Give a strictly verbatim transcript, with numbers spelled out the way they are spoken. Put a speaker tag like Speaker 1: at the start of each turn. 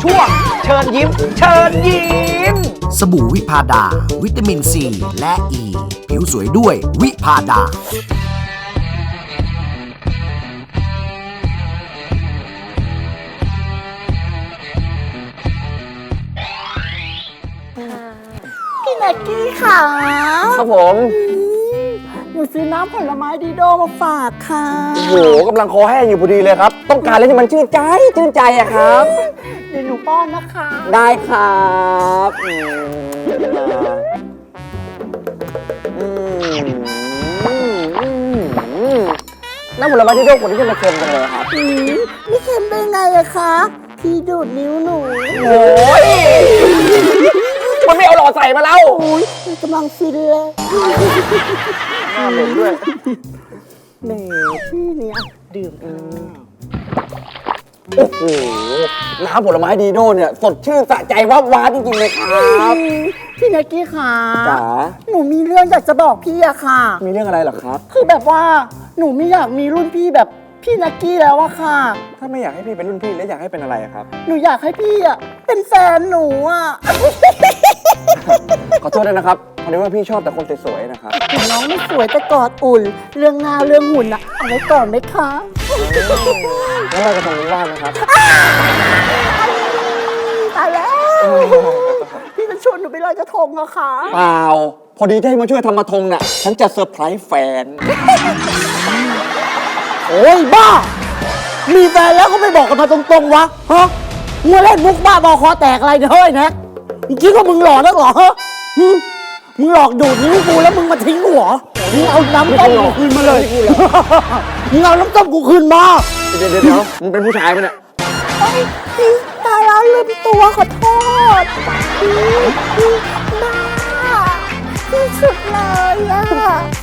Speaker 1: ช่วงเชิญยิ้มเชิญยิ้ม
Speaker 2: สบู่วิพาดา วิตามินซีและอ e. ีผิวสวยด้วยวิพาดา
Speaker 3: พี่แม็กกี้ค่ะ
Speaker 1: ครับผม
Speaker 3: หนูซื้อน้ำผลไม้ดีโดมาฝากค่ะ
Speaker 1: โอ้โหกำลังคอแห้งอยู่พอดีเลยครับ ต้องการอะไรที่มันชื่นใจชื่นใจอะครับ
Speaker 3: เดี๋ยวหนูป้อนนะคะ
Speaker 1: ได้ครับอืมอืมอืมอืมอืมน้ำผลไม้ที่โดกคนที่จะมาเค็มกันเลยครับ
Speaker 3: อืมไม่เค็มได้ไงอะคะ พี่ดูดนิ้วหนู
Speaker 1: โอ้ยมันไม่เอาหลอดใส่มาแล้ว
Speaker 3: โอ้ยกำลังฟินเลย
Speaker 1: หน้าเหม็นด้วย
Speaker 3: แหมพี่เนี่ยดื่มกัน
Speaker 1: โอ้โห น้ำผลไม้ดีโดเนี่ยสดชื่นสะใจวับว้าจริงๆเลยครับ
Speaker 3: พี่แม็กกี้ค่ะ
Speaker 1: จ๋า
Speaker 3: หนูมีเรื่องอยากจะบอกพี่อะค่ะ
Speaker 1: มีเรื่องอะไรเหรอครับ
Speaker 3: คือแบบว่าหนูไม่อยากมีรุ่นพี่แบบพี่แม็กกี้แล้วอะค่ะ
Speaker 1: ถ้าไม่อยากให้พี่เป็นรุ่นพี่แล้วอยากให้เป็นอะไรอะครับ
Speaker 3: หนูอยากให้พี่อะเป็นแฟนหนูอะ
Speaker 1: ขอโทษด้วยนะครับพอดีว่าพี่ชอบแต่คนสวยๆนะครับ
Speaker 3: ถึงน้องไม่สวยแต่กอดอุ่น เรื่องหน้าเรื่องหุ่นอะเอาไว้ก่อนไหมคะ
Speaker 1: แล้วเราจะทำนี้ว่างนะครับ
Speaker 3: ตายแล้ว พี่จะชวนหนูไปลอยกระทงอะคะ
Speaker 1: เปล่า พอดีที่ให้มาช่วยทำกระทงน่ะ ฉันจะเซอร์ไพรส์แฟน
Speaker 3: โอ้ยบ้า มีแฟนแล้วก็ไม่บอกกันมาตรงๆวะฮะมึงเล่นมุกบ้าบอคอแตกอะไรเนี่ยเฮ้ยแน็กมึงคิดว่ามึงหล่อนักเหรอฮะหึมึงหลอกดูดนิ้วกูแล้วมึงมาทิ้งกูเหรอมึงเอาน้ำต้มกูคืนมาเลยมึงเอาน้ำต้มกูคืนมา
Speaker 1: เดี๋ยวเดี๋ยวเดี๋ยวมึงเป็นผู้ชายปะเนี่ย
Speaker 3: เอ้ยพี่ตายแล้วลืมตัวขอโทษพี่พี่บ้าที่สุดเลยอะ